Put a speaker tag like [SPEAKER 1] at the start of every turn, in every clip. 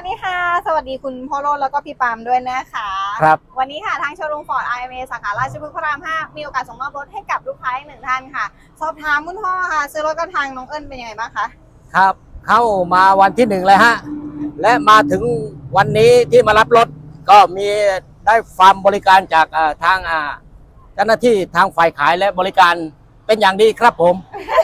[SPEAKER 1] วัสดีค่ะสวัสดีคุณพ่อโรจน์แล้วก็พี่ปามด้วยนะคะ
[SPEAKER 2] ครับ
[SPEAKER 1] วันนี้ค่ะทางโชว์รูมฟอร์ด IMA สาขาราชพฤกษ์พระราม 5มีโอกาสส่งมอบรถให้กับลูกค้าอีกหนึ่งท่านค่ะสอบถามคุณพ่อค่ะซื้อรถกับทางน้องเอิญเป็นยังไงบ้างคะ
[SPEAKER 2] ครับเข้ามาวันที่1เลยฮะและมาถึงวันนี้ที่มารับรถก็มีได้ความบริการจากทางเจ้าหน้าที่ทางฝ่ายขายและบริการเป็นอย่างดีครับผม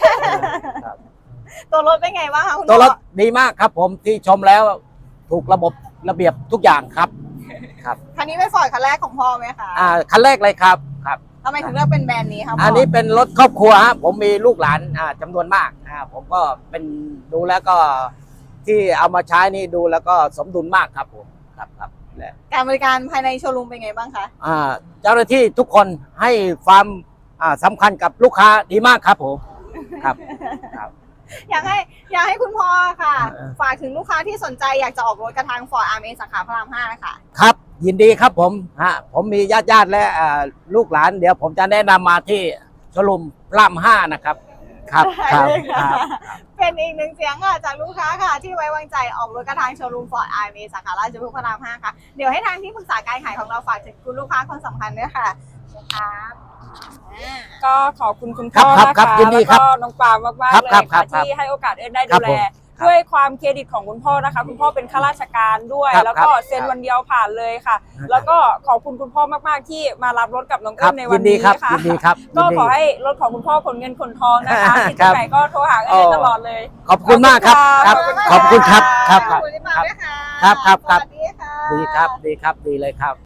[SPEAKER 1] ตัวรถเป็นไงบ้างคะคุณพ่อ
[SPEAKER 2] ตัวรถดีมากครับผมที่ชมแล้วถูกระเบียบทุกอย่างครับครับ
[SPEAKER 1] คันนี้เป็นฟอร์ดคันแรกของพ่อไหมคะ
[SPEAKER 2] คันแรกเลยครับครับ
[SPEAKER 1] ทำไมถึงเลือกเป็นแบรนด์นี้ครับพ่อ
[SPEAKER 2] อันนี้เป็นรถครอบครัวฮะผมมีลูกหลานจำนวนมากผมก็เป็นดูแล้วก็ที่เอามาใช้นี่ดูแล้วก็สมดุลมากครับผมครับและ
[SPEAKER 1] การบริการภายในโชว์รูมเป็นไงบ้างคะ
[SPEAKER 2] เจ้าหน้าที่ทุกคนให้ความสำคัญกับลูกค้าดีมากครับผมครับ
[SPEAKER 1] อยากให้คุณพ่อค่ะ
[SPEAKER 2] เออ
[SPEAKER 1] ฝากถึงลูกค้าที่สนใจอยากจะออกรถกับทางฟอร์ด IMA สาขาพระราม 5นะคะ
[SPEAKER 2] ครับยินดีครับผมผมมีญาติและลูกหลานเดี๋ยวผมจะแนะนำมาที่โชว์รูมพระราม 5นะครับครับ
[SPEAKER 1] ได้เลย
[SPEAKER 2] ค
[SPEAKER 1] ค่ะ
[SPEAKER 2] รับ
[SPEAKER 1] เป็นอีกหนึ่งเสียงค่ะจากลูกค้าค่ะที่ไว้วางใจออกรถกระทางโชว์รูมฟอร์ด IMA สาขาราชพฤกษ์พระราม 5ค่ะเดี๋ยวให้ทางที่ปรึกษาการขายของเราฝากถึงคุณลูกค้าคนสำคัญด้วยค่ะครับ
[SPEAKER 3] ก็ขอบคุณคุณพ่อ
[SPEAKER 2] ครับ
[SPEAKER 3] นะ
[SPEAKER 2] ครั
[SPEAKER 3] คะ
[SPEAKER 2] บยินดี
[SPEAKER 3] แล้ว
[SPEAKER 2] ครับ
[SPEAKER 3] ก็น้องปามมากๆ
[SPEAKER 2] ครับ
[SPEAKER 3] เลย
[SPEAKER 2] ครับ
[SPEAKER 3] ค่ะ
[SPEAKER 2] ครับ
[SPEAKER 3] ที่ให้โอกาสเอิญได้
[SPEAKER 2] ครั
[SPEAKER 3] ดู
[SPEAKER 2] บ
[SPEAKER 3] แล
[SPEAKER 2] ผมครับ
[SPEAKER 3] ด้วยความเครดิตของคุณพ่อนะคะคุณพ่อเป็นข้าราชการด้วย
[SPEAKER 2] ครับ
[SPEAKER 3] แล้วก็
[SPEAKER 2] ครับ
[SPEAKER 3] เซ็นวันเดียวผ่านเลยค่ะ
[SPEAKER 2] ครับ
[SPEAKER 3] แล้วก็ขอบคุณคุณพ่อมากๆที่มารับรถกับน้อง
[SPEAKER 2] ค
[SPEAKER 3] เอิ
[SPEAKER 2] รับ
[SPEAKER 3] ญใน
[SPEAKER 2] ยิ
[SPEAKER 3] วัน
[SPEAKER 2] นดี
[SPEAKER 3] นี้
[SPEAKER 2] ครับ
[SPEAKER 3] ค่ะ
[SPEAKER 2] ยินดีครับ
[SPEAKER 3] ก็
[SPEAKER 2] ยินดี
[SPEAKER 3] ขอให้รถของคุณพ่อขนเงินขนทองนะคะที่
[SPEAKER 2] ครั
[SPEAKER 3] ที่
[SPEAKER 2] บ
[SPEAKER 3] ไหนก็โทรหาเอิญได้ตลอดเลย
[SPEAKER 2] ขอบคุณมากครับครับ ขอบคุณครับครับ
[SPEAKER 1] ขอบคุณที่มาด้วยค่ะ
[SPEAKER 2] ครับครับ
[SPEAKER 1] สวัสดีค่ะ
[SPEAKER 2] ดีครับดีครับดีเลยครับ